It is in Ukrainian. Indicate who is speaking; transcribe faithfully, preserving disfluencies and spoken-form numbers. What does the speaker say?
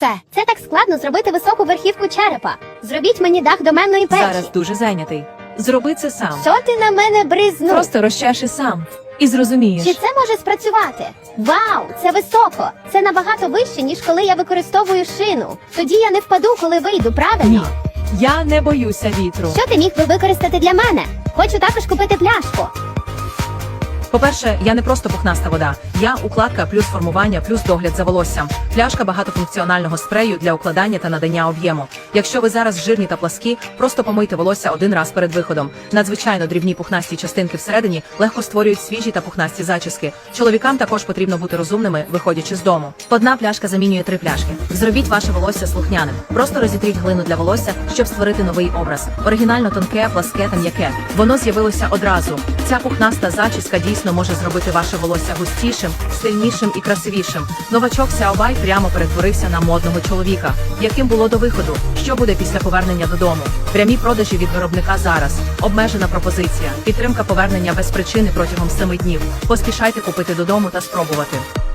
Speaker 1: Це, це так складно зробити високу верхівку черепа. Зробіть мені дах доменної печі.
Speaker 2: Зараз дуже зайнятий. Зроби це сам.
Speaker 1: Що ти на мене бризнув?
Speaker 2: Просто розчеши сам. І зрозумієш.
Speaker 1: Чи це може спрацювати? Вау, це високо. Це набагато вище, ніж коли я використовую шину. Тоді я не впаду, коли вийду, правильно?
Speaker 2: Ні. Я не боюся вітру.
Speaker 1: Що ти міг би використати для мене? Хочу також купити пляшку.
Speaker 2: По-перше, я не просто пухнаста вода. Я укладка плюс формування плюс догляд за волоссям. Пляшка багатофункціонального спрею для укладання та надання об'єму. Якщо ви зараз жирні та пласкі, просто помийте волосся один раз перед виходом. Надзвичайно дрібні пухнасті частинки всередині легко створюють свіжі та пухнасті зачіски. Чоловікам також потрібно бути розумними, виходячи з дому. Одна пляшка замінює три пляшки. Зробіть ваше волосся слухняним. Просто розітріть глину для волосся, щоб створити новий образ. Оригінально тонке, пласке та м'яке. Воно з'явилося одразу. Ця пухнаста зачіска дійсно може зробити ваше волосся густішим, сильнішим і красивішим. Новачок Сяобай прямо перетворився на модного чоловіка. Яким було до виходу? Що буде після повернення додому? Прямі продажі від виробника зараз. Обмежена пропозиція. Підтримка повернення без причини протягом семи днів. Поспішайте купити додому та спробувати.